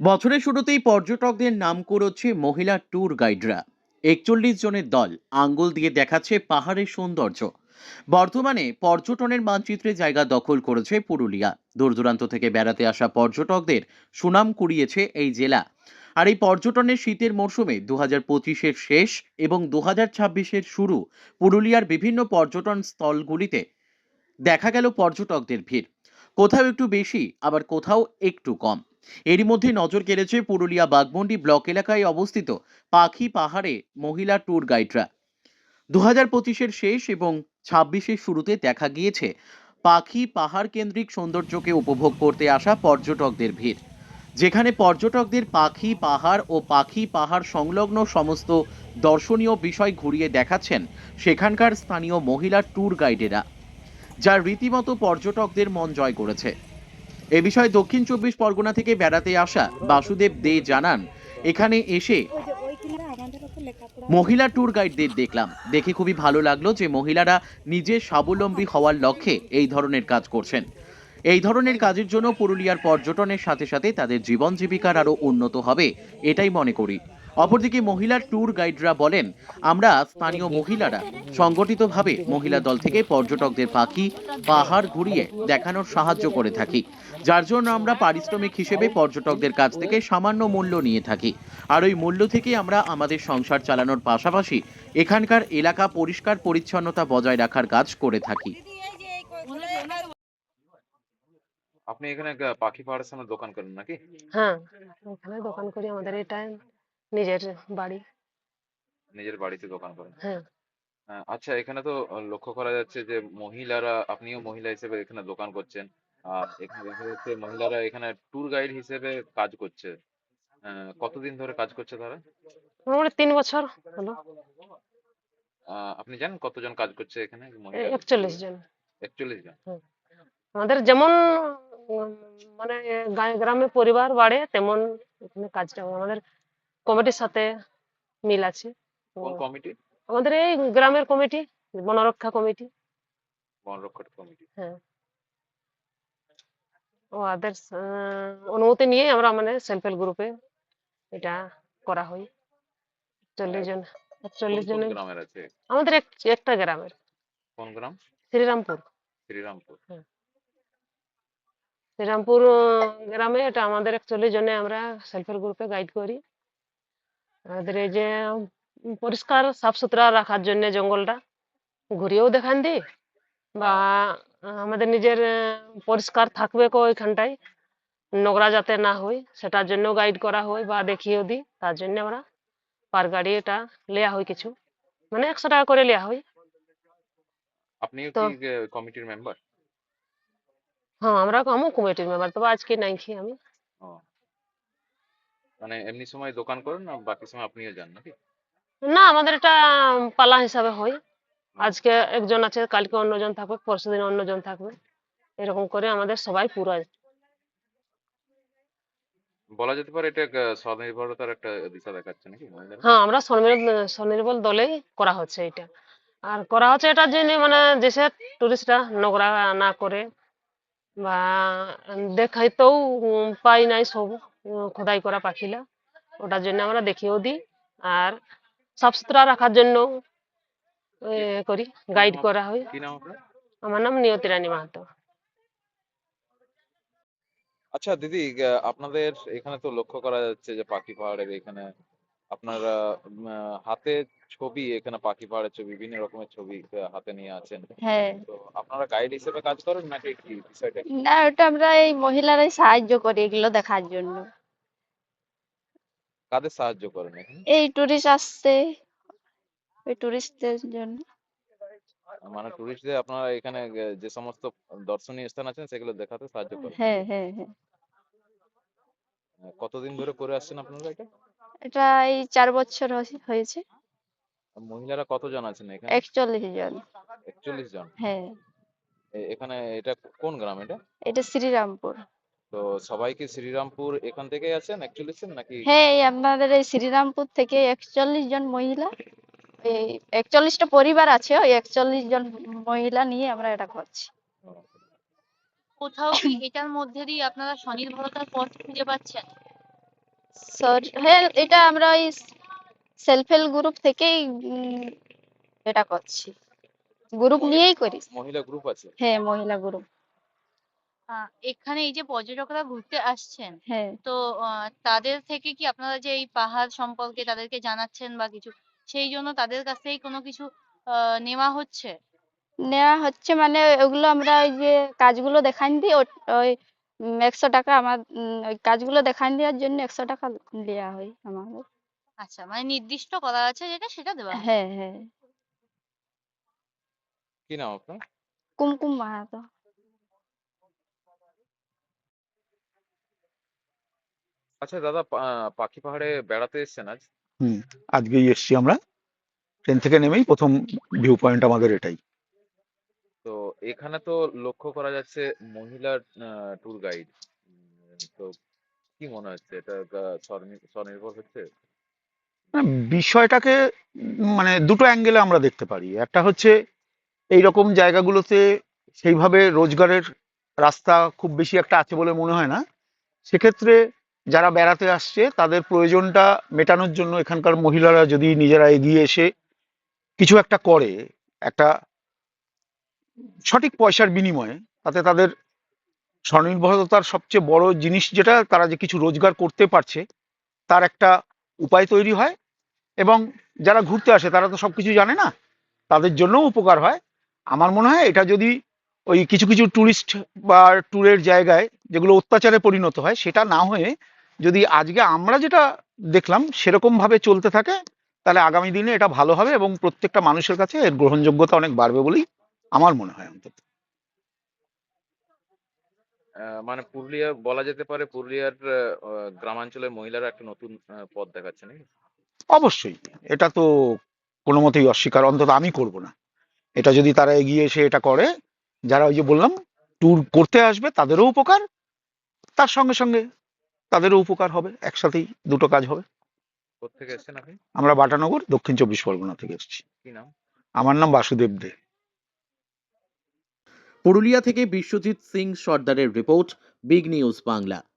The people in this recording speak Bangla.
বছরের শুরুতেই পর্যটকদের নাম কুড়োচ্ছে মহিলা ট্যুর গাইডরা। ৪১ জনের দল আঙ্গুল দিয়ে দেখাচ্ছে পাহাড়ের সৌন্দর্য। বর্তমানে পর্যটনের মানচিত্রে জায়গা দখল করেছে পুরুলিয়া। দূর দূরান্ত থেকে বেড়াতে আসা পর্যটকদের সুনাম কুড়িয়েছে এই জেলা। আর এই পর্যটনের শীতের মরশুমে 2025-এর শেষ এবং 2026-এর শুরু পুরুলিয়ার বিভিন্ন পর্যটন স্থলগুলিতে দেখা গেল পর্যটকদের ভিড়। কোথাও একটু বেশি, আবার কোথাও একটু কম। এরই মধ্যে নজর কেড়েছে পুরুলিয়া বাগমন্ডি ব্লক এলাকায় অবস্থিত পাখি পাহাড়ে মহিলা ট্যুর গাইডরা। 2025-এর শেষ এবং 26-এর শুরুতে দেখা গিয়েছে পাখি পাহাড় কেন্দ্রিক সৌন্দর্যকে উপভোগ করতে আসা পর্যটকদের ভিড়, যেখানে পর্যটকদের পাখি পাহাড় ও পাখি পাহাড় সংলগ্ন সমস্ত দর্শনীয় বিষয় ঘুরিয়ে দেখাচ্ছেন সেখানকার স্থানীয় মহিলা ট্যুর গাইডেরা, যা রীতিমতো পর্যটকদের মন জয় করেছে। এ বিষয়ে দক্ষিণ 24 পরগনা থেকে বেড়াতে আসা বাসুদেব দে জানান, এখানে এসে মহিলা ট্যুর গাইডদের দেখলাম, দেখে খুবই ভালো লাগলো যে মহিলারা নিজে স্বাবলম্বী হওয়ার লক্ষ্যে এই ধরনের কাজ করছেন। এই ধরনের কাজের জন্য পুরুলিয়ার পর্যটনের সাথে সাথে তাদের জীবন জীবিকার আরও উন্নত হবে, এটাই মনে করি। অপরদিকে মহিলা ট্যুর গাইডরা বলেন, আমরা স্থানীয় মহিলারা সংগঠিতভাবে মহিলা দল থেকে পর্যটকদের পাখি পাহাড় ঘুরিয়ে দেখানোর সাহায্য করে থাকি, যার জন্য আমরা পারিশ্রমিক হিসেবে পর্যটকদের কাছ থেকে সামান্য মূল্য নিয়ে থাকি। আর ওই মূল্য থেকে আমরা আমাদের সংসার চালানোর পাশাপাশি এখানকার এলাকা পরিষ্কার পরিচ্ছন্নতা বজায় রাখার কাজ করে থাকি। আপনি এখানে পাখি পাহাড়ের সামনে দোকান করেন নাকি? হ্যাঁ, ওখানে দোকান করি, আমাদের এটা নিজের বাড়ি। নিজের বাড়িতে দোকান করেন? হ্যাঁ, আচ্ছা, এখানে তো লক্ষ্য করা যাচ্ছে যে মহিলারা, আপনিও মহিলা হিসেবে এখানে দোকান করছেন। আর এখানে দেখা যাচ্ছে মহিলারা এখানে ট্যুর গাইড হিসেবে কাজ করছে। কতদিন ধরে কাজ করছে তারা? মোটামুটি 3 বছর হলো। আপনি জানেন কতজন কাজ করছে এখানে মহিলারা? 41 জন। 41 জন? হুম। আমাদের যেমন উম, মানে গ্রামে পরিবার বাড়ে তেমন এখানে কাজটা আমাদের কমিটির সাথে মিল আছে। তো কোন কমিটি? আমাদের এই গ্রামের কমিটি, বনরক্ষা কমিটি। বন রক্ষক কমিটি। হ্যাঁ, ওদের অনুমতি নিয়ে আমরা মানে সেলফ হেল্প গ্রুপে এটা করা হয়। 40 জন, কোন 41 কোন জনের গ্রামের আছে? আমাদের একটা গ্রামের, কোন গ্রাম? শ্রীরামপুর। শ্রীরামপুর। হ্যাঁ, শ্রীরামপুর গ্রামে এটা আমাদের 41 জনে আমরা সেলফ হেল্প গ্রুপে গাইড করি। আমাদের এই যে পরিষ্কার সাফ সুতরা রাখার জন্য জঙ্গলটা ঘুরিয়েও দেখান দিই, বা আমাদের নিজের পরিষ্কার থাকবে ওইখানটায়, নোংরা যাতে না হয় সেটার জন্য গাইড করা হয় বা দেখিয়েও দিই। তার জন্য আমরা পার গাড়ি এটা নেওয়া হয়, কিছু মানে 100 টাকা করে নেওয়া হয়। আপনিও তো কি কমিটির মেম্বার? হ্যাঁ, আমিও কমিটির মেম্বার, তবে আজকে নাই খেয়ে আমি। ও, মানে এমনি সময় দোকান করেন না বাকি সময় আপনিও যান নাকি? না, আমাদের এটা পালা হিসাবে হয়। ও, আজকে একজন আছে, কালকে অন্যজন থাকবে, পরশুদিন অন্যজন থাকবে, এরকম করে আমাদের সবাই পুরো। বলা যেতে পারে এটা স্বনির্ভরতার একটা দিশা দেখাচ্ছে নাকি মহিলারা? হ্যাঁ, আমরা স্বনির্ভর দলেই করা হচ্ছে এটা। আর করা হচ্ছে এটার জন্য মানে দেশের টুরিস্টরা নোংরা না করে, বা দেখাইতেও পাই নাই সব খোদাই করা পাখিলা, ওটার জন্য আমরা দেখিয়েও দিই। আর সাফ সুতরা রাখার জন্য কি করি, কি নাম গাইড করা হয়। কি নাম আপনার? আমার নাম নিয়তি রানী মাহাতো। আচ্ছা দিদি, আপনাদের এখানে তো লক্ষ্য করা যাচ্ছে যে পাখি পাহাড়ের এখানে আপনারা হাতে ছবি, এখানে পাখি পাহাড়ের ছবি, বিভিন্ন রকমের ছবি হাতে নিয়ে আছেন। হ্যাঁ, তো আপনারা গাইড হিসেবে কাজ করেন নাকি কি বিষয়টা কি? না ওটা আমরা এই মহিলারাই সাহায্য করি এগুলো দেখার জন্য। কাদের সাহায্য করেন এখানে? এই টুরিস্ট আসছে, ওই টুরিস্টদের জন্য। মানে টুরিস্টদের আপনারা এখানে যে সমস্ত দর্শনীয় স্থান আছেন সেগুলো দেখাতে সাহায্য করেন? হ্যাঁ, হ্যাঁ, হ্যাঁ। কতদিন ধরে করে আসছেন আপনারা এটা? এটা এই 4 বছর হয়েছে। আর মহিলারা কতজন আছেন এখানে? 41 জন। 41 জন? হ্যাঁ, এখানে এটা কোন গ্রাম এটা? এটা শ্রীরামপুর। তো সবাই কি শ্রীরামপুর এখান থেকেই আছেন 41 জন নাকি? হ্যাঁ, এই আপনাদের এই শ্রীরামপুর থেকে 41 জন মহিলা, এই 41টা পরিবার আছে, ওই 41 জন মহিলা নিয়ে আমরা এটা করছি। ও, কোথাও কি এটার মধ্যে দিয়ে আপনারা স্বনির্ভরতার পথ খুঁজে পাচ্ছেন? হ্যাঁ, এটা আমরা ওই সেলফ হেল্প গ্রুপ থেকেই এটা করছি, গ্রুপ নিয়েই করি। মহিলা গ্রুপ আছে? হ্যাঁ, মহিলা গ্রুপ। এখানে এই যে পর্যটকরা ঘুরতে আসছেন, হ্যাঁ, তো তাদের থেকে কি আপনারা যে এই পাহাড় সম্পর্কে তাদেরকে জানাচ্ছেন বা কিছু, সেই জন্য তাদের কাছ থেকে কোনো কিছু নেওয়া হচ্ছে? নেওয়া হচ্ছে মানে ওগুলো আমরা ওই যে কাজগুলো দেখান দিই, ওই 100 টাকা আমার ওই কাজগুলো দেখান দেওয়ার জন্য 100 টাকা দেওয়া হয় আমাদের। আচ্ছা, মানে নির্দিষ্ট করা আছে যেটা সেটা দেওয়া হয়। হ্যাঁ, হ্যাঁ। কি নাম আপনার? কুমকুম মাহাতো। আচ্ছা দাদা, পাখি পাহাড়ে বেড়াতে এসেছেন আজ? হুম, আজকেই এসছি আমরা। ট্রেন থেকে নেমেই প্রথম ভিউ পয়েন্ট আমাদের এটাই। তো এখানে তো লক্ষ্য করা যাচ্ছে মহিলা ট্যুর গাইড। তো কি মনে হচ্ছে, এটা স্বনির্ভর হচ্ছে? মানে বিষয়টাকে মানে দুটো অ্যাঙ্গেলে আমরা দেখতে পারি। একটা হচ্ছে এইরকম জায়গাগুলোতে সেইভাবে রোজগারের রাস্তা খুব বেশি একটা আছে বলে মনে হয় না। সেক্ষেত্রে যারা বেড়াতে আসছে তাদের প্রয়োজনটা মেটানোর জন্য এখানকার মহিলারা যদি নিজেরা এগিয়ে এসে কিছু একটা করে, একটা সঠিক পয়সার বিনিময়ে, তাতে তাদের স্বনির্ভরতার সবচেয়ে বড় জিনিস যেটা, তারা যে কিছু রোজগার করতে পারছে তার একটা উপায় তৈরি হয়। এবং যারা ঘুরতে আসে তারা তো সবকিছু জানে না, তাদের জন্যও উপকার হয়। আমার মনে হয় এটা যদি ওই কিছু কিছু ট্যুরিস্ট বা ট্যুরের জায়গায় যেগুলো অত্যাচারে পরিণত হয়, সেটা না হয়ে যদি আজকে আমরা যেটা দেখলাম সেরকম ভাবে চলতে থাকে, তাহলে আগামী দিনে এটা ভালো হবে এবং প্রত্যেকটা মানুষের কাছে এর গ্রহণযোগ্যতা অনেক বাড়বে বলেই আমার মনে হয় অন্তত। মানে পুরুলিয়া বলা যেতে পারে, পুরুলিয়ার গ্রামাঞ্চলের মহিলারা একটা নতুন পথ দেখাচ্ছে নাকি? অবশ্যই, এটা তো কোনো মতেই অস্বীকার অন্তত আমি করব না। এটা যদি তারা এগিয়ে এসে এটা করে, যারা ওই যে বললাম ট্যুর করতে আসবে তাদেরও উপকার, তার সঙ্গে সঙ্গে তাদেরও উপকার হবে, একসাথেই দুটো কাজ হবে। কোত্থেকে এসেছেন আপনি? আমরা বাটানগর, দক্ষিণ 24 পরগনা থেকে এসেছি। কি নাম? আমার নাম বাসুদেব দে। পুরুলিয়া থেকে বিশ্বজিৎ সিং সর্দারের রিপোর্ট, বিগ নিউজ বাংলা।